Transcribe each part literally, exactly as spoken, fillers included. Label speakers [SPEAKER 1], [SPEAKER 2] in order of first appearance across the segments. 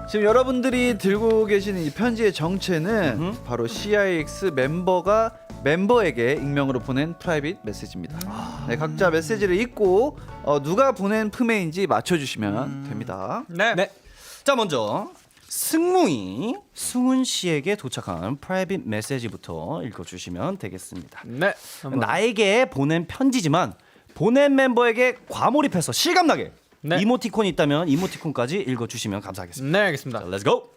[SPEAKER 1] 지금 여러분들이 들고 계시는 이 편지의 정체는
[SPEAKER 2] 음흠.
[SPEAKER 1] 바로 씨아이엑스 멤버가 멤버에게 익명으로 보낸 프라이빗 메시지입니다.
[SPEAKER 2] 아.
[SPEAKER 1] 네, 각자 메시지를 읽고 어, 누가 보낸 품에인지 맞춰주시면
[SPEAKER 2] 음.
[SPEAKER 1] 됩니다.
[SPEAKER 3] 네.
[SPEAKER 2] 네. 자 먼저 승무이 승훈 씨에게 도착한 프라이빗 메시지부터 읽어주시면 되겠습니다.
[SPEAKER 3] 네. 한번.
[SPEAKER 2] 나에게 보낸 편지지만 보낸 멤버에게 과몰입해서 실감나게
[SPEAKER 3] 네.
[SPEAKER 2] 이모티콘이 있다면 이모티콘까지 읽어주시면 감사하겠습니다.
[SPEAKER 3] 네, 알겠습니다.
[SPEAKER 2] 자, 렛츠 고!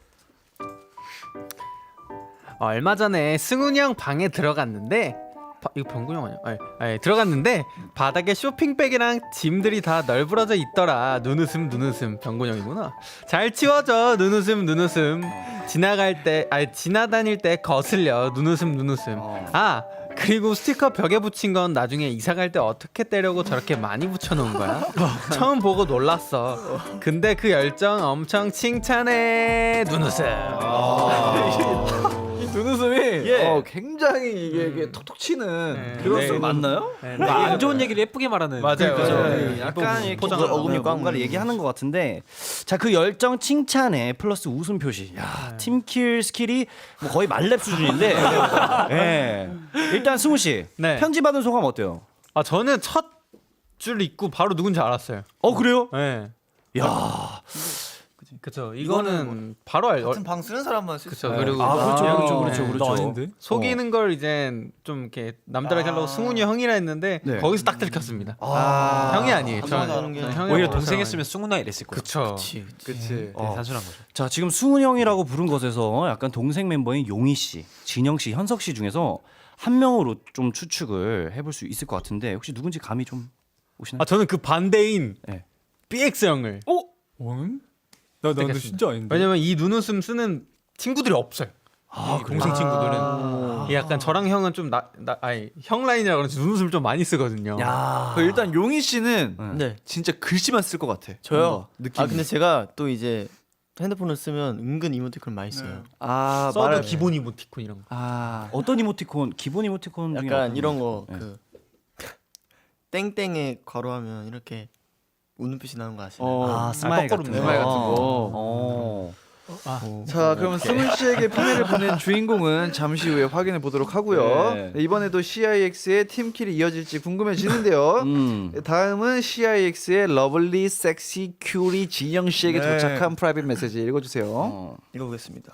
[SPEAKER 3] 얼마 전에 승훈이 형 방에 들어갔는데 바, 이거 병구 형 아니야? 아니, 아니, 들어갔는데 바닥에 쇼핑백이랑 짐들이 다 널브러져 있더라. 눈웃음 눈웃음. 병구 형이구나. 잘 치워져. 눈웃음 눈웃음. 지나갈 때 아니 지나다닐 때 거슬려. 눈웃음 눈웃음. 아 그리고 스티커 벽에 붙인 건 나중에 이사 갈 때 어떻게 떼려고 저렇게 많이 붙여놓은 거야? 처음 보고 놀랐어. 근데 그 열정 엄청 칭찬해. 눈웃음.
[SPEAKER 1] 이 눈웃음이
[SPEAKER 2] 예.
[SPEAKER 1] 어, 굉장히 이게, 이게 톡톡 치는
[SPEAKER 3] 네.
[SPEAKER 1] 그런
[SPEAKER 3] 네.
[SPEAKER 1] 웃음 맞나요?
[SPEAKER 3] 네,
[SPEAKER 4] 뭐 안 좋은 얘기를 예쁘게 말하는
[SPEAKER 3] 맞아요,
[SPEAKER 4] 그죠?
[SPEAKER 3] 맞아요.
[SPEAKER 2] 네, 약간 이렇게
[SPEAKER 4] 포장을
[SPEAKER 2] 뭐,
[SPEAKER 4] 어금니 꽉
[SPEAKER 2] 뭔가를
[SPEAKER 4] 먹는.
[SPEAKER 2] 얘기하는 것 같은데 자 그 열정 칭찬에 플러스 웃음 표시 야 팀킬 스킬이 뭐 거의 말렙 수준인데 예. 일단 승우 씨
[SPEAKER 3] 네.
[SPEAKER 2] 편지 받은 소감 어때요?
[SPEAKER 3] 아 저는 첫 줄 읽고 바로 누군지 알았어요.
[SPEAKER 2] 어 그래요?
[SPEAKER 3] 네.
[SPEAKER 2] 야
[SPEAKER 3] 그쵸.
[SPEAKER 4] 이거는
[SPEAKER 3] 이거는 바로 알.
[SPEAKER 4] 같은 방 쓰는 사람만 쓸
[SPEAKER 3] 그쵸.
[SPEAKER 4] 수
[SPEAKER 3] 그리고
[SPEAKER 2] 아 그렇죠
[SPEAKER 3] 아,
[SPEAKER 2] 그렇죠 그렇죠
[SPEAKER 3] 네.
[SPEAKER 2] 그렇죠
[SPEAKER 4] 나 아닌데?
[SPEAKER 3] 속이는 걸 이제 좀 이렇게 남들에게 하려고
[SPEAKER 4] 아.
[SPEAKER 3] 승훈이 형이라 했는데
[SPEAKER 1] 네.
[SPEAKER 3] 거기서 딱 들켰습니다.
[SPEAKER 2] 아.
[SPEAKER 3] 형이 아니에요.
[SPEAKER 4] 단순하게
[SPEAKER 3] 저는-
[SPEAKER 4] 하는 게
[SPEAKER 3] 저는 형이라고
[SPEAKER 4] 오히려
[SPEAKER 3] 생각해요.
[SPEAKER 4] 승훈아 이랬을 거야.
[SPEAKER 3] 그쵸.
[SPEAKER 4] 그치.
[SPEAKER 1] 그치.
[SPEAKER 4] 네,
[SPEAKER 2] 어.
[SPEAKER 4] 단순한 거죠.
[SPEAKER 2] 자 지금 승훈 형이라고 부른 것에서 약간 동생 멤버인 용희 씨, 진영 씨, 현석 씨 중에서 한 명으로 좀 추측을 해볼 수 있을 것 같은데 혹시 누군지 감이 좀 오시나요?
[SPEAKER 3] 아 저는 그 반대인
[SPEAKER 2] 네.
[SPEAKER 3] 비엑스 형을.
[SPEAKER 4] 어? 원? 나 나도
[SPEAKER 3] 선택했습니다.
[SPEAKER 4] 진짜 아닌데.
[SPEAKER 3] 왜냐면 이 눈웃음 쓰는 친구들이 없어요.
[SPEAKER 2] 아,
[SPEAKER 3] 이 동생 친구들은 이 약간 저랑 형은 좀 나 나 아니 형 라인이라 그런지 눈웃음을 좀 많이 쓰거든요.
[SPEAKER 2] 야.
[SPEAKER 1] 그 일단 용희 씨는
[SPEAKER 5] 네.
[SPEAKER 1] 진짜 글씨만 쓸 것 같아.
[SPEAKER 5] 저요.
[SPEAKER 1] 뭔가 느낌이.
[SPEAKER 5] 아 근데 제가 또 이제 핸드폰을 쓰면 은근 이모티콘 많이 써요.
[SPEAKER 1] 아
[SPEAKER 3] 써도
[SPEAKER 1] 말을
[SPEAKER 3] 기본 이모티콘 이런 거.
[SPEAKER 1] 아
[SPEAKER 2] 어떤 이모티콘? 기본 이모티콘 중에
[SPEAKER 5] 약간
[SPEAKER 2] 어떤
[SPEAKER 5] 이런
[SPEAKER 2] 거?
[SPEAKER 5] 거
[SPEAKER 2] 네.
[SPEAKER 5] 그 땡땡에 괄호하면 이렇게 웃는빛이 나는 거 아시나요?
[SPEAKER 1] 어.
[SPEAKER 2] 아 스마일
[SPEAKER 3] 거꾸로
[SPEAKER 2] 같은
[SPEAKER 3] 웃는
[SPEAKER 2] 거.
[SPEAKER 1] 말 같은 거.
[SPEAKER 2] 어.
[SPEAKER 5] 오.
[SPEAKER 1] 자 그러면 승훈 씨에게 품에를 보낸 주인공은 잠시 후에 확인해 보도록 하고요.
[SPEAKER 2] 네.
[SPEAKER 1] 네, 이번에도 씨아이엑스의 팀킬이 이어질지 궁금해지는데요.
[SPEAKER 2] 음.
[SPEAKER 1] 다음은 씨아이엑스의 러블리 섹시 큐리 진영 씨에게
[SPEAKER 5] 네.
[SPEAKER 1] 도착한 프라이빗 메시지 읽어주세요.
[SPEAKER 2] 어.
[SPEAKER 5] 읽어보겠습니다.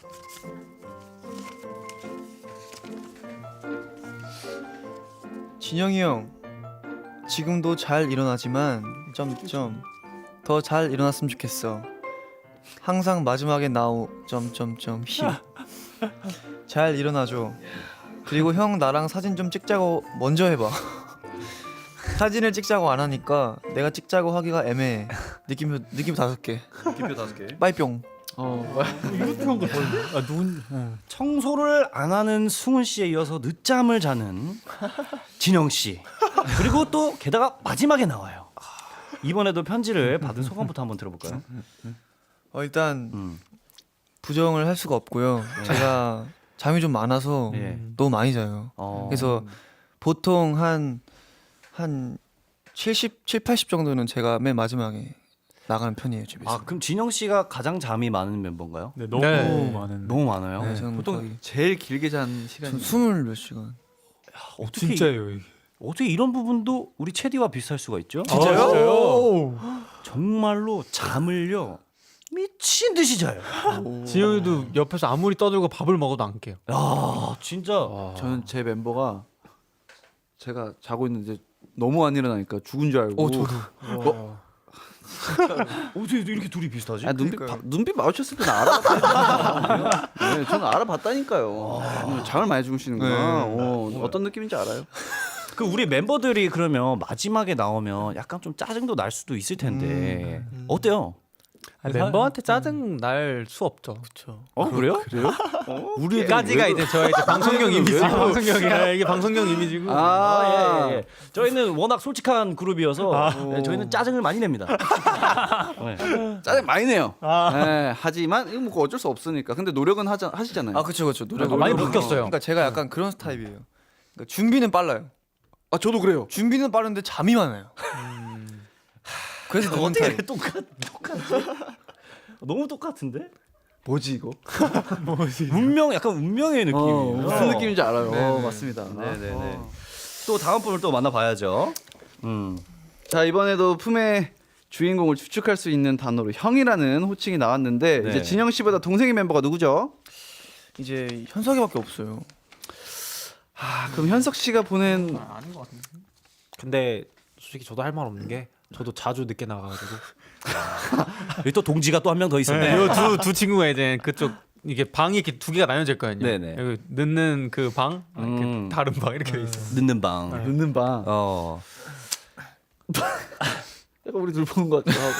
[SPEAKER 5] 진영이 형, 지금도 잘 일어나지만 점점 더 잘 일어났으면 좋겠어. 항상 마지막에 나오 점점점 힘. 잘 일어나줘. 그리고 형 나랑 사진 좀 찍자고 먼저 해봐. 사진을 찍자고 안 하니까 내가 찍자고 하기가 애매해. 느낌표 느낌 다섯 개.
[SPEAKER 2] 기표 다섯 개.
[SPEAKER 5] 빠이뿅.
[SPEAKER 1] 어,
[SPEAKER 4] 아 눈.
[SPEAKER 2] 청소를 안 하는 승훈 씨에 이어서 늦잠을 자는 진영 씨. 그리고 또 게다가 마지막에 나와요. 이번에도 편지를 받은 소감부터 한번 들어볼까요?
[SPEAKER 5] 어, 일단
[SPEAKER 2] 음.
[SPEAKER 5] 부정을 할 수가 없고요. 제가 잠이 좀 많아서
[SPEAKER 2] 예.
[SPEAKER 5] 너무 많이 자요.
[SPEAKER 2] 어.
[SPEAKER 5] 그래서 보통 한 한 칠십, 칠, 팔십 정도는 제가 맨 마지막에 나가는 편이에요, 집에서.
[SPEAKER 2] 아 그럼 진영 씨가 가장 잠이 많은 멤버인가요?
[SPEAKER 4] 네 너무
[SPEAKER 3] 네.
[SPEAKER 4] 많은.
[SPEAKER 2] 너무 많아요.
[SPEAKER 5] 네, 저는
[SPEAKER 1] 보통
[SPEAKER 5] 거의
[SPEAKER 1] 제일 길게 잔 시간이
[SPEAKER 5] 전 스물 몇 시간.
[SPEAKER 2] 어떻게
[SPEAKER 4] 진짜예요. 이게.
[SPEAKER 2] 어떻게 이런 부분도 우리 체디와 비슷할 수가 있죠?
[SPEAKER 4] 아, 진짜요?
[SPEAKER 2] 정말로 잠을요 미친 듯이 자요.
[SPEAKER 3] 진영이도 옆에서 아무리 떠들고 밥을 먹어도 안 깨요.
[SPEAKER 2] 야 진짜.
[SPEAKER 1] 저는 제 멤버가 제가 자고 있는데 너무 안 일어나니까 죽은 줄 알고.
[SPEAKER 5] 어, 저도.
[SPEAKER 2] 어떻게 이렇게 둘이 비슷하지?
[SPEAKER 1] 아, 눈빛
[SPEAKER 5] 그러니까요.
[SPEAKER 1] 바, 눈빛 마주쳤을 때는 알아봤다니까요. 네, 저는 알아봤다니까요. 음, 잠을 많이 주무시는구나.
[SPEAKER 5] 네.
[SPEAKER 1] 어, 어떤 느낌인지 알아요?
[SPEAKER 2] 그 우리 멤버들이 그러면 마지막에 나오면 약간 좀 짜증도 날 수도 있을 텐데 어때요?
[SPEAKER 3] 아니, 멤버한테 짜증 날 수 없죠.
[SPEAKER 5] 그렇죠.
[SPEAKER 2] 어 그래요?
[SPEAKER 1] 그래요?
[SPEAKER 3] 우리까지가 이제 저의 이제 방송용 이미지. 방송용이야. 이게 방송용 이미지고.
[SPEAKER 1] 아,
[SPEAKER 2] 예, 예. 저희는 워낙 솔직한 그룹이어서 예, 저희는 짜증을 많이 냅니다. 네.
[SPEAKER 1] 짜증 많이 내요. 네, 하지만 이거 뭐 어쩔 수 없으니까. 근데 노력은 하자, 하시잖아요.
[SPEAKER 5] 아, 그렇죠, 그렇죠. 노력
[SPEAKER 3] 아, 많이 바뀌었어요.
[SPEAKER 5] 그러니까 제가 약간 그런 스타일이에요. 그러니까 준비는 빨라요.
[SPEAKER 1] 아, 저도 그래요.
[SPEAKER 5] 준비는 빠른데 잠이 많아요. 그래서 그런 타입.
[SPEAKER 2] 똑같 똑같. 너무 똑같은데?
[SPEAKER 1] 뭐지 이거?
[SPEAKER 2] 운명 약간 운명의 느낌이에요.
[SPEAKER 1] 어, 무슨 느낌인지 알아요. 어, 맞습니다.
[SPEAKER 2] 네네네.
[SPEAKER 1] 어.
[SPEAKER 2] 또 다음 분을 또 만나봐야죠. 음.
[SPEAKER 1] 자 이번에도 품의 주인공을 추측할 수 있는 단어로 형이라는 호칭이 나왔는데
[SPEAKER 2] 네.
[SPEAKER 1] 이제 진영 씨보다 동생의 멤버가 누구죠?
[SPEAKER 5] 이제 현석이밖에 없어요.
[SPEAKER 1] 아 그럼 현석 씨가 보낸
[SPEAKER 3] 아닌 것 같은데.
[SPEAKER 4] 근데 솔직히 저도 할 말 없는 게 저도 자주 늦게 나가가지고
[SPEAKER 2] 여기 또 동지가 또 한 명 더 있었네.
[SPEAKER 3] 이두두 친구가 이제 그쪽 이게 방이 이렇게 두 개가 나뉘어져 있거든요.
[SPEAKER 2] 네네.
[SPEAKER 3] 여기 늦는 그 방, 아, 이렇게
[SPEAKER 2] 음.
[SPEAKER 3] 다른 방 이렇게 돼 있어.
[SPEAKER 2] 늦는 방.
[SPEAKER 1] 늦는 방.
[SPEAKER 2] 어.
[SPEAKER 1] 약간 우리 둘 보는 것 같기도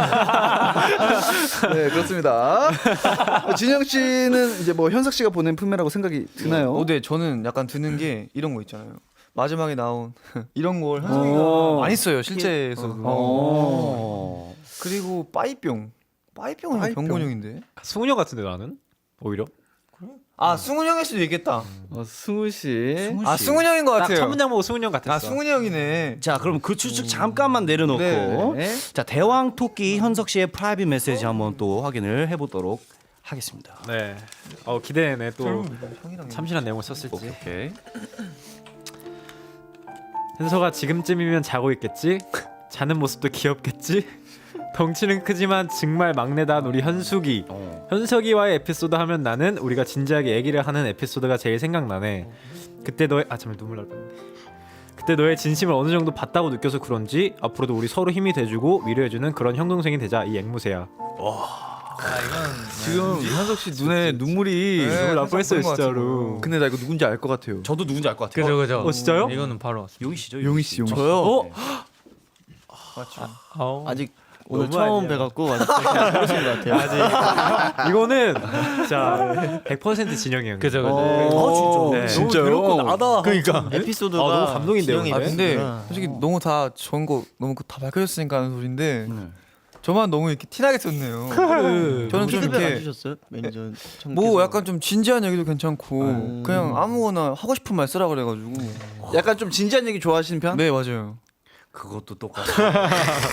[SPEAKER 1] 하고. 네 그렇습니다. 진영 씨는 이제 뭐 현석 씨가 보낸 품이라고 생각이 드나요?
[SPEAKER 5] 어, 네, 저는 약간 드는 게 이런 거 있잖아요. 마지막에 나온 이런 걸
[SPEAKER 1] 어.
[SPEAKER 5] 현석이가 많이 써요 실제에서도.
[SPEAKER 1] 어.
[SPEAKER 5] 그리고 빠이뿅. 빠이뿅은
[SPEAKER 1] 빠이뿅.
[SPEAKER 5] 병곤형인데.
[SPEAKER 4] 승훈이 형 같은데 나는 오히려
[SPEAKER 5] 아 승훈 형일 수도 있겠다.
[SPEAKER 1] 어, 승우 씨.
[SPEAKER 2] 승우
[SPEAKER 5] 아 승훈 형인 것
[SPEAKER 4] 딱
[SPEAKER 5] 같아요.
[SPEAKER 4] 첫 문장 보고 승훈이 형 같았어.
[SPEAKER 5] 아 승훈 형이네.
[SPEAKER 2] 자, 그럼 그 추측 잠깐만 내려놓고
[SPEAKER 1] 네.
[SPEAKER 2] 자 대왕 토끼 현석 씨의 프라이빗 메시지 한번 또 확인을 해보도록 하겠습니다.
[SPEAKER 4] 네. 어 기대되네 또
[SPEAKER 5] 형이랑
[SPEAKER 4] 참신한 내용을 썼을지.
[SPEAKER 2] 오케이.
[SPEAKER 4] 현서가 지금쯤이면 자고 있겠지. 자는 모습도 귀엽겠지. 덩치는 크지만 정말 막내다운 우리 현숙이.
[SPEAKER 2] 어.
[SPEAKER 4] 현석이와의 에피소드 하면 나는 우리가 진지하게 얘기를 하는 에피소드가 제일 생각나네. 그때 너의 아 잠깐 눈물 날 뻔했네. 그때 너의 진심을 어느 정도 봤다고 느껴서 그런지 앞으로도 우리 서로 힘이 돼주고 위로해주는 그런 형 동생이 되자. 이 앵무새야.
[SPEAKER 1] 지금 현석 씨 눈에 눈물이
[SPEAKER 5] 네,
[SPEAKER 4] 눈물 날 뻔했어요
[SPEAKER 5] 그런 것
[SPEAKER 4] 진짜로.
[SPEAKER 1] 근데 나 이거 누군지 알 것 같아요.
[SPEAKER 2] 저도 누군지 알 것 같아요.
[SPEAKER 3] 그죠 그죠.
[SPEAKER 4] 어, 진짜요?
[SPEAKER 3] 이거는 바로 왔어.
[SPEAKER 2] 용희 씨죠?
[SPEAKER 1] 용희 씨, 용희 씨.
[SPEAKER 2] 저요?
[SPEAKER 4] 어?
[SPEAKER 3] 아우.
[SPEAKER 6] 아직 오늘
[SPEAKER 4] 너무
[SPEAKER 6] 처음
[SPEAKER 4] 아니야.
[SPEAKER 6] 뵈갖고 아직 잘 모르신 것 같아요.
[SPEAKER 4] 이거는 자 백 퍼센트 진영이 형.
[SPEAKER 3] 그죠 그죠.
[SPEAKER 2] 어,
[SPEAKER 4] 네.
[SPEAKER 2] 진짜.
[SPEAKER 1] 진짜요?
[SPEAKER 2] 너무 나다.
[SPEAKER 3] 그러니까.
[SPEAKER 6] 에피소드가
[SPEAKER 4] 아, 너무 감동인데요,
[SPEAKER 6] 진영의
[SPEAKER 5] 아
[SPEAKER 4] 근데?
[SPEAKER 5] 근데
[SPEAKER 6] 에피소드가
[SPEAKER 5] 솔직히 너무 다 좋은 거 너무 다 밝혀졌으니까 하는 소린데
[SPEAKER 2] 네.
[SPEAKER 5] 저만 너무 이렇게 티나게 썼네요.
[SPEAKER 4] 그
[SPEAKER 5] 저는 좀
[SPEAKER 6] 피드백 안
[SPEAKER 5] 이렇게
[SPEAKER 6] 주셨어요? 매니저 청
[SPEAKER 5] 뭐 약간 좀 진지한 얘기도 괜찮고
[SPEAKER 6] 음.
[SPEAKER 5] 그냥 아무거나 하고 싶은 말 쓰라 그래가지고.
[SPEAKER 1] 약간 좀 진지한 얘기 좋아하시는 편?
[SPEAKER 5] 네 맞아요.
[SPEAKER 2] 그것도 똑같아.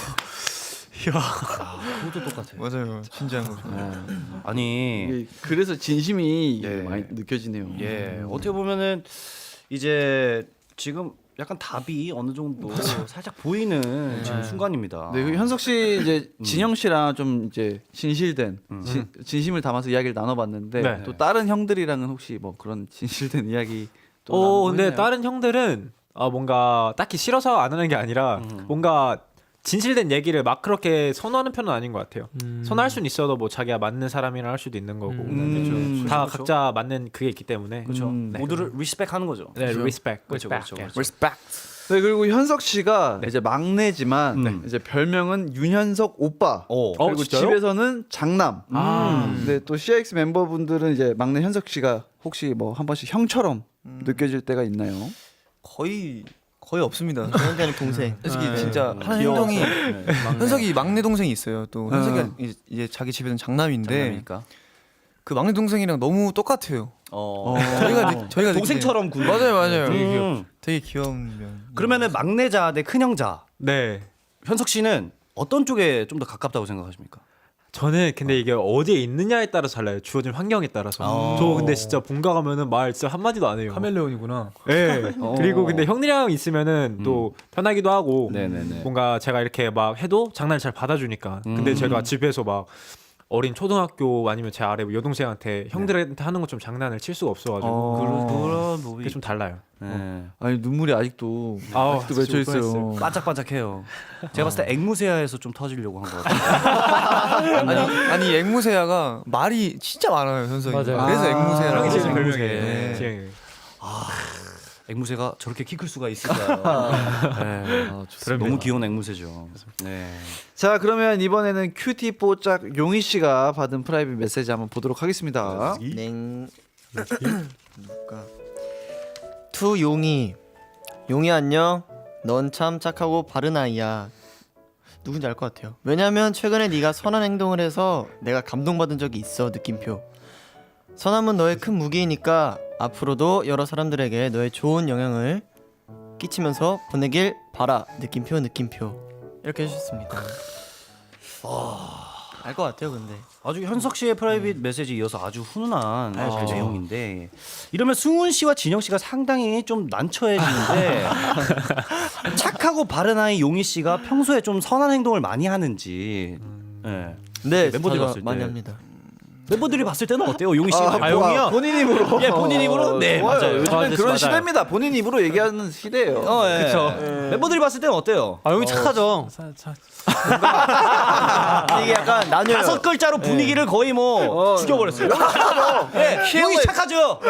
[SPEAKER 2] 아, 그것도 똑같아.
[SPEAKER 5] 맞아요. 진지한 거. 좋아해요.
[SPEAKER 2] 아니,
[SPEAKER 1] 이게 그래서 진심이
[SPEAKER 2] 예.
[SPEAKER 1] 많이 느껴지네요.
[SPEAKER 2] 예, 어떻게 보면은 이제 지금 약간 답이 어느 정도 살짝 보이는 지금 순간입니다.
[SPEAKER 1] 네, 그 현석 씨 이제 진영 씨랑 좀 이제 진실된 진, 진심을 담아서 이야기를 나눠봤는데
[SPEAKER 4] 네.
[SPEAKER 1] 또 다른 형들이랑은 혹시 뭐 그런 진실된 이야기 또
[SPEAKER 4] 어
[SPEAKER 1] 나누고
[SPEAKER 4] 근데
[SPEAKER 1] 있나요?
[SPEAKER 4] 다른 형들은 아 뭔가 딱히 싫어서 안 하는 게 아니라 뭔가 진실된 얘기를 막 그렇게 선호하는 편은 아닌 것 같아요. 선호할 수는 있어도 뭐 자기가 맞는 사람이랑 할 수도 있는 거고
[SPEAKER 1] 음,
[SPEAKER 4] 다
[SPEAKER 2] 그렇죠.
[SPEAKER 4] 각자 맞는 그게 있기 때문에
[SPEAKER 2] 그렇죠.
[SPEAKER 1] 음,
[SPEAKER 4] 네.
[SPEAKER 2] 모두를 리스펙하는 거죠.
[SPEAKER 4] 네, 리스펙.
[SPEAKER 2] 그렇죠, 그렇죠, 그렇죠.
[SPEAKER 5] Respect.
[SPEAKER 1] 네, 그리고 현석 씨가 이제 막내지만
[SPEAKER 2] 네.
[SPEAKER 1] 이제 별명은 윤현석 오빠.
[SPEAKER 2] 어.
[SPEAKER 4] 어,
[SPEAKER 1] 그리고
[SPEAKER 4] 진짜요?
[SPEAKER 1] 집에서는 장남.
[SPEAKER 4] 아.
[SPEAKER 1] 근데 또 씨아이엑스 멤버분들은 이제 막내 현석 씨가 혹시 뭐 한 번씩 형처럼 느껴질 때가 있나요?
[SPEAKER 5] 거의 거의 없습니다.
[SPEAKER 6] 저한테는 동생.
[SPEAKER 5] 솔직히
[SPEAKER 3] 네.
[SPEAKER 5] 진짜 하는
[SPEAKER 2] 귀여워서.
[SPEAKER 5] 행동이
[SPEAKER 2] 네.
[SPEAKER 5] 현석이 막내 동생이 있어요. 또 현석이가
[SPEAKER 1] 음.
[SPEAKER 5] 이제- 이제 자기 집에는 장남인데
[SPEAKER 2] 장남이니까.
[SPEAKER 5] 그 막내 동생이랑 너무 똑같아요.
[SPEAKER 2] 어.
[SPEAKER 5] 저희가 느, 저희가
[SPEAKER 2] 동생처럼 군.
[SPEAKER 5] 느끼기에. 맞아요, 맞아요.
[SPEAKER 2] 음.
[SPEAKER 5] 되게 귀여운 면.
[SPEAKER 2] 그러면은 막내자 대 큰형자.
[SPEAKER 4] 네.
[SPEAKER 2] 현석 씨는 어떤 쪽에 좀 더 가깝다고 생각하십니까?
[SPEAKER 4] 저는 근데 이게 어디에 있느냐에 따라서 달라요. 주어진 환경에 따라서.
[SPEAKER 2] 어.
[SPEAKER 4] 저 근데 진짜 본가 가면은 말 진짜 한 마디도 안 해요. 카멜레온이구나. 네. 그리고 근데 형이랑 있으면은 또 편하기도 하고
[SPEAKER 2] 네네네.
[SPEAKER 4] 뭔가 제가 이렇게 막 해도 장난을 잘 받아주니까. 근데
[SPEAKER 2] 음.
[SPEAKER 4] 제가 집에서 막 어린 초등학교 아니면 제 아래 여동생한테 형들한테 하는 것 좀 장난을 칠 수가 없어가지고
[SPEAKER 1] 어.
[SPEAKER 2] 그런 그런
[SPEAKER 4] 그게
[SPEAKER 2] 부분이
[SPEAKER 4] 좀 달라요.
[SPEAKER 2] 네.
[SPEAKER 1] 아니 눈물이 아직도
[SPEAKER 4] 아우,
[SPEAKER 1] 아직도 맺혀
[SPEAKER 4] 진짜
[SPEAKER 1] 있어요.
[SPEAKER 4] 뻔했어요.
[SPEAKER 2] 반짝반짝해요. 제가 봤을 때 앵무새야에서 좀 터지려고 한 것 같아요.
[SPEAKER 5] 아니 아니 앵무새야가 말이 진짜 많아요 현석이.
[SPEAKER 3] 맞아요.
[SPEAKER 5] 그래서
[SPEAKER 1] 아.
[SPEAKER 5] 앵무새라고.
[SPEAKER 4] 형이 제일
[SPEAKER 2] 앵무새.
[SPEAKER 4] 별명이에요.
[SPEAKER 5] 네.
[SPEAKER 4] 지영이.
[SPEAKER 2] 앵무새가 저렇게 키 클 수가 있을까요? 네.
[SPEAKER 1] 아, 좋습니다.
[SPEAKER 2] 너무 귀여운 앵무새죠. 네.
[SPEAKER 1] 자 그러면 이번에는 큐티 뽀짝 용희 씨가 받은 프라이빗 메시지 한번 보도록 하겠습니다.
[SPEAKER 6] 냉. 누가? 투 용이. 용이 안녕. 넌 참 착하고 바른 아이야. 누군지 알 것 같아요. 왜냐면 최근에 네가 선한 행동을 해서 내가 감동받은 적이 있어. 느낌표. 선함은 너의 큰 무기이니까 앞으로도 여러 사람들에게 너의 좋은 영향을 끼치면서 보내길 바라. 느낌표 느낌표. 이렇게 해주셨습니다. 알 것 같아요, 근데.
[SPEAKER 2] 아주 현석 씨의 프라이빗 메시지 이어서 아주 훈훈한 내용인데 이러면 승훈 씨와 진영 씨가 상당히 좀 난처해지는데 착하고 바른 아이 용희 씨가 평소에 좀 선한 행동을 많이 하는지 네.
[SPEAKER 6] 네,
[SPEAKER 2] 멤버들이
[SPEAKER 6] 자주
[SPEAKER 2] 봤을
[SPEAKER 6] 많이
[SPEAKER 2] 때.
[SPEAKER 6] 합니다.
[SPEAKER 2] 멤버들이 봤을 때는 어때요, 용희 씨?
[SPEAKER 1] 아,
[SPEAKER 2] 용이요?
[SPEAKER 1] 본인 입으로.
[SPEAKER 2] 예, 본인 입으로? 네,
[SPEAKER 1] 좋아요.
[SPEAKER 2] 맞아요.
[SPEAKER 1] 요즘엔
[SPEAKER 3] 아저씨
[SPEAKER 1] 그런
[SPEAKER 3] 맞아요.
[SPEAKER 1] 시대입니다. 본인 입으로 얘기하는 시대예요.
[SPEAKER 2] 어, 예.
[SPEAKER 3] 그쵸.
[SPEAKER 2] 멤버들이 봤을 때는 어때요?
[SPEAKER 3] 아, 용이 착하죠.
[SPEAKER 4] 자, 자,
[SPEAKER 6] 이게 약간 나뉘어요.
[SPEAKER 2] 다섯 글자로 분위기를 거의 뭐 죽여버렸어요. 예, 용희 착하죠.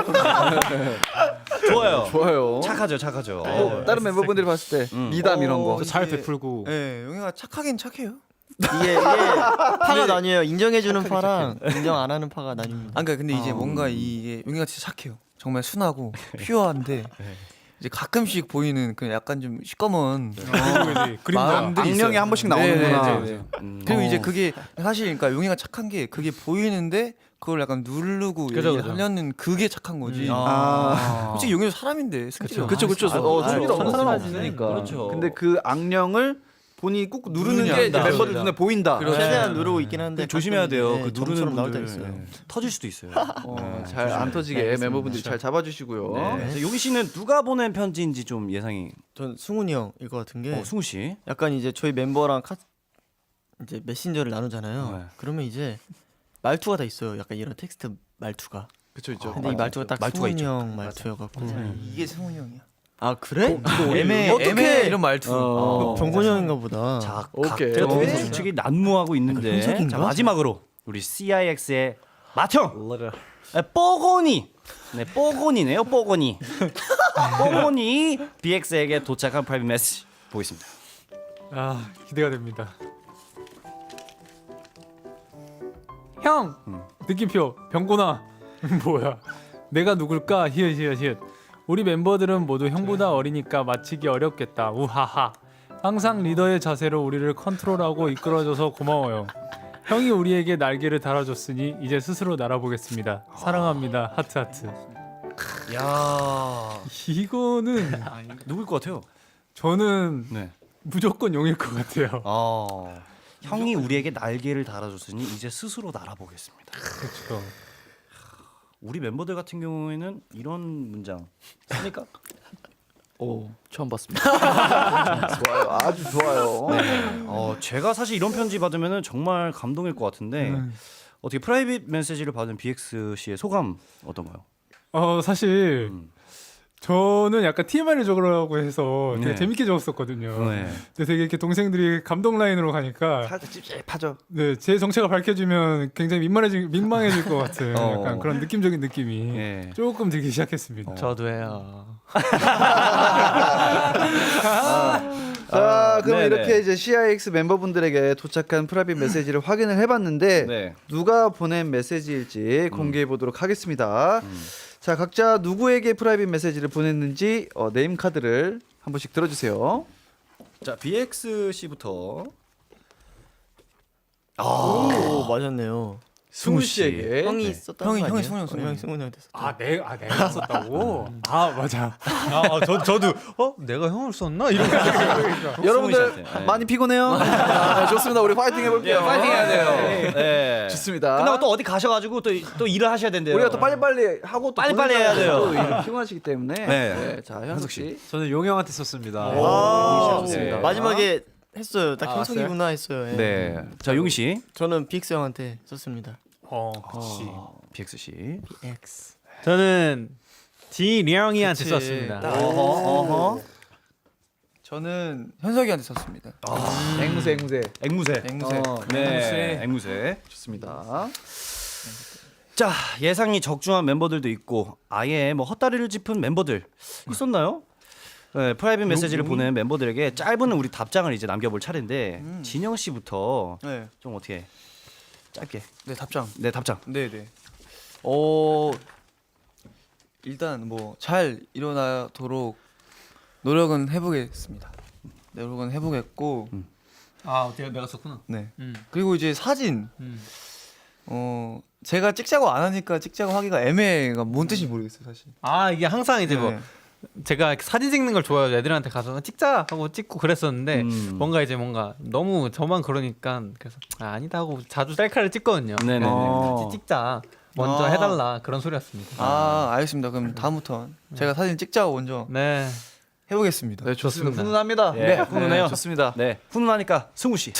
[SPEAKER 2] 좋아요.
[SPEAKER 1] 좋아요.
[SPEAKER 2] 착하죠, 착하죠.
[SPEAKER 1] 어, 다른 멤버분들이 봤을 때 미담 이런 거.
[SPEAKER 5] 어,
[SPEAKER 4] 잘
[SPEAKER 5] 이게-
[SPEAKER 4] 베풀고.
[SPEAKER 5] 네, 용이가 착하긴 착해요.
[SPEAKER 6] 이게 이게 파가 나뉘어요. 인정해주는 파랑 인정 안 하는 파가 나뉩니다.
[SPEAKER 5] 아, 그러니까 근데 이제 뭔가 이게 용이가 진짜 착해요. 정말 순하고 퓨어한데 이제 가끔씩 보이는 그 약간 좀 시꺼먼
[SPEAKER 4] 그림자.
[SPEAKER 5] 마음들이
[SPEAKER 1] 악령이
[SPEAKER 5] 있어요.
[SPEAKER 1] 한 번씩
[SPEAKER 5] 네,
[SPEAKER 1] 나오는구나.
[SPEAKER 5] 네, 네, 네.
[SPEAKER 2] 음.
[SPEAKER 5] 그리고 이제
[SPEAKER 1] 어.
[SPEAKER 5] 그게 사실 그러니까 용이가 착한 게 그게 보이는데 그걸 약간 누르고
[SPEAKER 3] 그죠,
[SPEAKER 5] 얘기를
[SPEAKER 3] 그죠.
[SPEAKER 5] 하려는 그게 착한 거지.
[SPEAKER 1] 아.
[SPEAKER 5] 솔직히 용이도 사람인데 승질이
[SPEAKER 1] 그쵸 그쵸.
[SPEAKER 2] 아,
[SPEAKER 1] 어,
[SPEAKER 2] 아유,
[SPEAKER 1] 승질
[SPEAKER 2] 사람
[SPEAKER 1] 없으니까.
[SPEAKER 2] 그렇죠.
[SPEAKER 1] 근데 그 악령을 본인이 꾹 누르는
[SPEAKER 5] 누르냐,
[SPEAKER 1] 게 이제
[SPEAKER 5] 맞아,
[SPEAKER 1] 멤버들
[SPEAKER 3] 맞아.
[SPEAKER 1] 눈에 보인다.
[SPEAKER 5] 그렇죠.
[SPEAKER 6] 최대한 누르고 있긴 한데
[SPEAKER 2] 근데 조심해야 돼요.
[SPEAKER 6] 가끔,
[SPEAKER 2] 그
[SPEAKER 6] 네,
[SPEAKER 2] 누르는
[SPEAKER 6] 점처럼 나올
[SPEAKER 2] 분들
[SPEAKER 6] 때 있어요.
[SPEAKER 2] 네, 터질 수도 있어요.
[SPEAKER 1] 어, 잘 안 터지게
[SPEAKER 6] 네,
[SPEAKER 1] 멤버분들이 잘 잡아주시고요.
[SPEAKER 2] 네. 그래서 용희 씨는 누가 보낸 편지인지 좀 예상이.
[SPEAKER 6] 전 승훈이 형일 것 같은 게
[SPEAKER 2] 어, 승우 씨.
[SPEAKER 6] 약간 이제 저희 멤버랑 카 이제 메신저를 나누잖아요.
[SPEAKER 2] 네.
[SPEAKER 6] 그러면 이제 말투가 다 있어요. 약간 이런 텍스트 말투가.
[SPEAKER 1] 그쵸 있죠.
[SPEAKER 6] 근데 이 말투가 딱
[SPEAKER 2] 말투가
[SPEAKER 6] 승훈이
[SPEAKER 2] 있죠.
[SPEAKER 6] 형 말투여갖고.
[SPEAKER 5] 이게 승훈이 형이야.
[SPEAKER 6] 아 그래?
[SPEAKER 5] 애매
[SPEAKER 6] 어떡해?
[SPEAKER 5] 애매 이런 말투.
[SPEAKER 1] 어.
[SPEAKER 6] 병곤이 형인가 보다.
[SPEAKER 2] 자,
[SPEAKER 1] 오케이.
[SPEAKER 2] 각자 둘이서
[SPEAKER 1] 어.
[SPEAKER 2] 솔직히 난무하고 있는데.
[SPEAKER 6] 현석인가?
[SPEAKER 2] 자, 마지막으로 우리 씨아이엑스의 맏형 네, 뽀고니. 네, 뽀고니네요, 뽀고니. 뽀고니 비엑스에게 도착한 프라이빗 메시지 보겠습니다.
[SPEAKER 4] 아, 기대가 됩니다. 형, 느낌표 병곤아. 뭐야? 내가 누굴까? 히읗 히읗 히읗. 우리 멤버들은 모두 형보다 어리니까 맞히기 어렵겠다. 우하하. 항상 리더의 자세로 우리를 컨트롤하고 이끌어줘서 고마워요. 형이 우리에게 날개를 달아줬으니 이제 스스로 날아보겠습니다. 사랑합니다. 하트 하트.
[SPEAKER 2] 야,
[SPEAKER 4] 이거는
[SPEAKER 2] 누굴 것 같아요?
[SPEAKER 4] 저는
[SPEAKER 2] 네.
[SPEAKER 4] 무조건 용일 것 같아요.
[SPEAKER 2] 어, 형이 우리에게 날개를 달아줬으니 이제 스스로 날아보겠습니다.
[SPEAKER 4] 그렇죠.
[SPEAKER 2] 우리 멤버들 같은 경우에는 이런 문장 쓰니까
[SPEAKER 1] 오 처음 봤습니다. 좋아요. 아주 좋아요.
[SPEAKER 2] 어, 제가 사실 이런 편지 받으면 정말 감동일 것 같은데
[SPEAKER 4] 음.
[SPEAKER 2] 어떻게 프라이빗 메시지를 받은 비엑스 씨의 소감 어떤가요?
[SPEAKER 4] 어 사실
[SPEAKER 2] 음.
[SPEAKER 4] 저는 약간 티엠아이를 적으라고 해서 되게
[SPEAKER 2] 네.
[SPEAKER 4] 재밌게 적었었거든요.
[SPEAKER 2] 네.
[SPEAKER 4] 근데 되게 이렇게 동생들이 감동 라인으로 가니까
[SPEAKER 1] 살짝 찝찝하죠.
[SPEAKER 4] 네, 제 정체가 밝혀지면 굉장히 민망해질 민망해질 것 같은
[SPEAKER 2] 어.
[SPEAKER 4] 약간 그런 느낌적인 느낌이
[SPEAKER 2] 네.
[SPEAKER 4] 조금 들기 시작했습니다.
[SPEAKER 3] 저도 해요.
[SPEAKER 1] 자, 그럼
[SPEAKER 2] 네네.
[SPEAKER 1] 이렇게 이제 씨아이엑스 멤버분들에게 도착한 프라이빗 메시지를 확인을 해봤는데
[SPEAKER 2] 네.
[SPEAKER 1] 누가 보낸 메시지일지 공개해 보도록 하겠습니다. 자, 각자 누구에게 프라이빗 메시지를 보냈는지 어, 네임 카드를 한 번씩 들어주세요.
[SPEAKER 2] 자, 비엑스 씨부터
[SPEAKER 6] 오 맞았네요.
[SPEAKER 1] 승우 씨에게
[SPEAKER 6] 형이 썼던
[SPEAKER 5] 형이-
[SPEAKER 6] 거
[SPEAKER 5] 형이
[SPEAKER 6] 아니에요?
[SPEAKER 5] 승훈이 형,
[SPEAKER 6] 어,
[SPEAKER 5] 승훈이
[SPEAKER 6] 형이
[SPEAKER 5] 형.
[SPEAKER 6] 승훈이한테 썼.
[SPEAKER 4] 아, 내, 아 내가 썼다고? 아, 맞아.
[SPEAKER 3] 아, 저 저도 어 내가 형을 썼나 이런.
[SPEAKER 1] 여러분들
[SPEAKER 2] 씨한테. 네.
[SPEAKER 1] 많이 피곤해요? 아, 좋습니다. 우리 파이팅 해볼게요.
[SPEAKER 2] 파이팅 해야 돼요. 네.
[SPEAKER 1] 좋습니다.
[SPEAKER 2] 끝나고 또 어디 가셔가지고 또, 또 일을 하셔야 된대요.
[SPEAKER 1] 우리가 또 빨리빨리 하고 또
[SPEAKER 2] 빨리빨리 해야 돼요.
[SPEAKER 1] 또 이렇게 피곤하시기 때문에.
[SPEAKER 2] 네.
[SPEAKER 1] 네. 자, 현석 씨.
[SPEAKER 4] 저는 용 형한테 썼습니다.
[SPEAKER 6] 아,
[SPEAKER 1] 좋습니다.
[SPEAKER 6] 네. 마지막에 했어요. 딱
[SPEAKER 3] 아,
[SPEAKER 6] 형석이구나 했어요. 예.
[SPEAKER 2] 네. 자, 용희 씨.
[SPEAKER 6] 저는 빅스 형한테 썼습니다.
[SPEAKER 4] 어, 그렇지.
[SPEAKER 2] 비엑스 씨.
[SPEAKER 6] X.
[SPEAKER 3] 저는 지령이한테
[SPEAKER 5] 그치.
[SPEAKER 3] 썼습니다.
[SPEAKER 5] 딱.
[SPEAKER 2] 어허, 어허.
[SPEAKER 5] 저는 현석이한테 썼습니다.
[SPEAKER 1] 앵무새 앵무새.
[SPEAKER 2] 앵무새.
[SPEAKER 5] 앵무새.
[SPEAKER 2] 어, 네. 앵무새.
[SPEAKER 1] 좋습니다.
[SPEAKER 2] 자, 예상이 적중한 멤버들도 있고 아예 뭐 헛다리를 짚은 멤버들 있었나요? 네, 프라이빗 메시지를 보낸 멤버들에게 짧은 우리 답장을 이제 남겨볼 차례인데 진영 씨부터
[SPEAKER 5] 네,
[SPEAKER 2] 좀 어떻게 짧게
[SPEAKER 5] 네 답장.
[SPEAKER 2] 네 답장.
[SPEAKER 5] 네, 네. 어 일단 뭐 잘 일어나도록 노력은 해보겠습니다. 노력은 해보겠고,
[SPEAKER 3] 아, 내가 내가 썼구나.
[SPEAKER 5] 네.
[SPEAKER 3] 음.
[SPEAKER 5] 그리고 이제 사진.
[SPEAKER 3] 음.
[SPEAKER 5] 어 제가 찍자고 안 하니까 찍자고 하기가 애매해가 뭔 뜻인지 모르겠어요 사실.
[SPEAKER 3] 아, 이게 항상 이제 뭐
[SPEAKER 5] 네.
[SPEAKER 3] 제가 사진 찍는 걸 좋아해요. 애들한테 가서 찍자 하고 찍고 그랬었는데
[SPEAKER 2] 음.
[SPEAKER 3] 뭔가 이제 뭔가 너무 저만 그러니까 그래서 아, 아니다 하고 자주 셀카를 찍거든요.
[SPEAKER 2] 네네네.
[SPEAKER 1] 어.
[SPEAKER 3] 같이 찍자 먼저
[SPEAKER 5] 아.
[SPEAKER 3] 해달라 그런 소리였습니다.
[SPEAKER 5] 아 알겠습니다. 그럼 다음부터 제가 사진 찍자고 먼저
[SPEAKER 3] 네.
[SPEAKER 5] 해보겠습니다.
[SPEAKER 1] 네, 좋습니다.
[SPEAKER 3] 좋습니다.
[SPEAKER 1] 훈훈합니다.
[SPEAKER 2] 네, 훈훈해요.
[SPEAKER 1] 좋습니다.
[SPEAKER 2] 네, 훈훈하니까 승우 씨.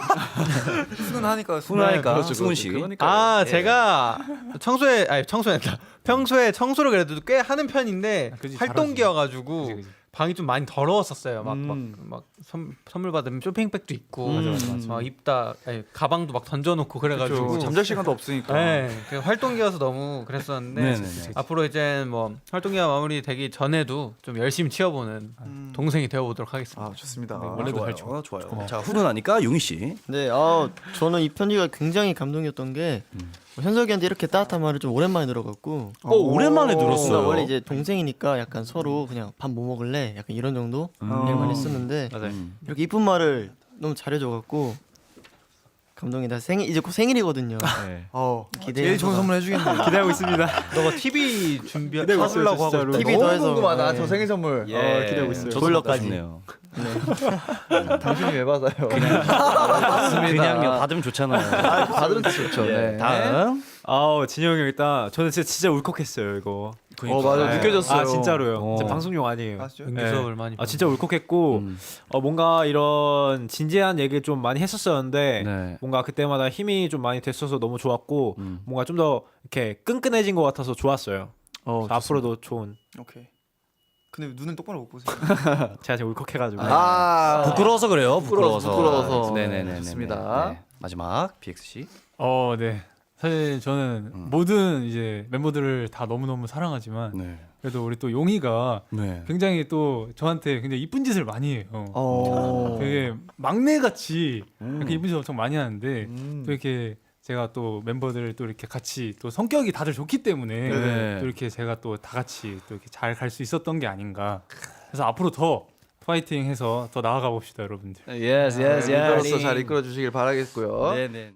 [SPEAKER 5] 훈훈하니까
[SPEAKER 2] 훈훈하니까
[SPEAKER 1] 그렇죠,
[SPEAKER 2] 승훈
[SPEAKER 1] 그렇죠.
[SPEAKER 2] 씨.
[SPEAKER 1] 그러니까요.
[SPEAKER 3] 아
[SPEAKER 2] 예.
[SPEAKER 3] 제가 청소에 아니 청소했다. 평소에 청소를 그래도 꽤 하는 편인데
[SPEAKER 4] 아, 그지,
[SPEAKER 3] 활동기여가지고
[SPEAKER 4] 그지, 그지.
[SPEAKER 3] 방이 좀 많이 더러웠었어요. 막 막
[SPEAKER 1] 음.
[SPEAKER 3] 막 선물 받으면 쇼핑백도 있고
[SPEAKER 1] 맞아, 맞아, 맞아.
[SPEAKER 3] 막 입다 아니, 가방도 막 던져놓고 그래가지고
[SPEAKER 1] 그렇죠. 잠잘 시간도 없으니까.
[SPEAKER 3] 네, 그 활동기여서 너무 그랬었는데
[SPEAKER 2] 네네네.
[SPEAKER 3] 앞으로 이제 뭐 활동기가 마무리되기 전에도 좀 열심히 치워보는
[SPEAKER 5] 음.
[SPEAKER 3] 동생이 되어보도록 하겠습니다.
[SPEAKER 1] 아 좋습니다.
[SPEAKER 2] 원래도 잘 좋아요. 좋아요. 자, 훈훈하니까 용희 씨.
[SPEAKER 6] 네, 아 저는 이 편지가 굉장히 감동이었던 게 뭐 현석이한테 이렇게 따뜻한 말을 좀 오랜만에 들어갖고
[SPEAKER 2] 어, 오랜만에
[SPEAKER 6] 뭔가
[SPEAKER 2] 들었어요.
[SPEAKER 6] 원래 이제 동생이니까 약간 서로 그냥 밥 뭐 먹을래 약간 이런 정도
[SPEAKER 1] 음.
[SPEAKER 6] 얘기만 했었는데
[SPEAKER 3] 맞아요.
[SPEAKER 2] 음.
[SPEAKER 6] 이렇게 이쁜 말을 너무 잘해줘갖고 감동이다. 생일 이제 곧 생일이거든요.
[SPEAKER 4] 네.
[SPEAKER 1] 어,
[SPEAKER 6] 기대해
[SPEAKER 5] 제일 좋은 선물 해주겠네.
[SPEAKER 4] 기대하고 있습니다.
[SPEAKER 3] 너가 티비 준비
[SPEAKER 4] 기대하고 있어요,
[SPEAKER 3] 사주려고 하고
[SPEAKER 4] 진짜로.
[SPEAKER 3] 있다.
[SPEAKER 6] 티비
[SPEAKER 1] 너무
[SPEAKER 6] 더해서,
[SPEAKER 1] 궁금하다.
[SPEAKER 6] 네.
[SPEAKER 1] 저 생일 선물.
[SPEAKER 2] 예.
[SPEAKER 1] 어, 기대하고 있어요.
[SPEAKER 2] 저도
[SPEAKER 6] 졸려까지.
[SPEAKER 2] 받고
[SPEAKER 6] 네.
[SPEAKER 1] 당신이 왜 받아요?
[SPEAKER 2] 그냥요. 받으면 좋잖아요.
[SPEAKER 1] 아, 받으면 좋죠. 네.
[SPEAKER 2] 다음.
[SPEAKER 4] 아우 진영이 형 일단 저는 진짜 진짜 울컥했어요 이거.
[SPEAKER 1] 어 맞아
[SPEAKER 4] 네.
[SPEAKER 1] 느껴졌어요.
[SPEAKER 4] 아 진짜로요.
[SPEAKER 2] 어.
[SPEAKER 4] 진짜 방송용 아니에요.
[SPEAKER 5] 아, 진짜요?
[SPEAKER 3] 연기
[SPEAKER 4] 네.
[SPEAKER 3] 수업을 많이.
[SPEAKER 4] 아 진짜 울컥했고
[SPEAKER 2] 음.
[SPEAKER 4] 어, 뭔가 이런 진지한 얘기를 좀 많이 했었었는데
[SPEAKER 2] 네.
[SPEAKER 4] 뭔가 그때마다 힘이 좀 많이 됐어서 너무 좋았고
[SPEAKER 2] 음.
[SPEAKER 4] 뭔가 좀 더 이렇게 끈끈해진 것 같아서 좋았어요.
[SPEAKER 1] 어,
[SPEAKER 4] 그래서 앞으로도 좋은.
[SPEAKER 5] 오케이. 근데 왜 눈을 똑바로 못 보세요.
[SPEAKER 4] 제가 지금 울컥해가지고.
[SPEAKER 1] 아
[SPEAKER 2] 부끄러워서 그래요.
[SPEAKER 1] 부끄러워서,
[SPEAKER 2] 부끄러워서.
[SPEAKER 1] 부끄러워서.
[SPEAKER 2] 네네네.
[SPEAKER 1] 좋습니다.
[SPEAKER 2] 네. 마지막 비엑스 씨.
[SPEAKER 7] 어, 네. 사실 저는
[SPEAKER 2] 음.
[SPEAKER 7] 모든 이제 멤버들을 다 너무 너무 사랑하지만
[SPEAKER 2] 네.
[SPEAKER 7] 그래도 우리 또 용이가
[SPEAKER 2] 네.
[SPEAKER 7] 굉장히 또 저한테 굉장히 이쁜 짓을 많이 해요.
[SPEAKER 1] 어.
[SPEAKER 7] 되게 막내 같이
[SPEAKER 2] 음.
[SPEAKER 7] 이렇게 이쁜 짓 엄청 많이 하는데
[SPEAKER 1] 음.
[SPEAKER 7] 또 이렇게 제가 또 멤버들 또 이렇게 같이 또 성격이 다들 좋기 때문에
[SPEAKER 2] 네.
[SPEAKER 7] 또 이렇게 제가 또 다 같이 또 이렇게 잘 갈 수 있었던 게 아닌가. 그래서 앞으로 더 파이팅해서 더 나아가 봅시다, 여러분들.
[SPEAKER 2] 예스 예스
[SPEAKER 1] 리더로서 잘 이끌어 주시길 바라겠고요.
[SPEAKER 2] 네네.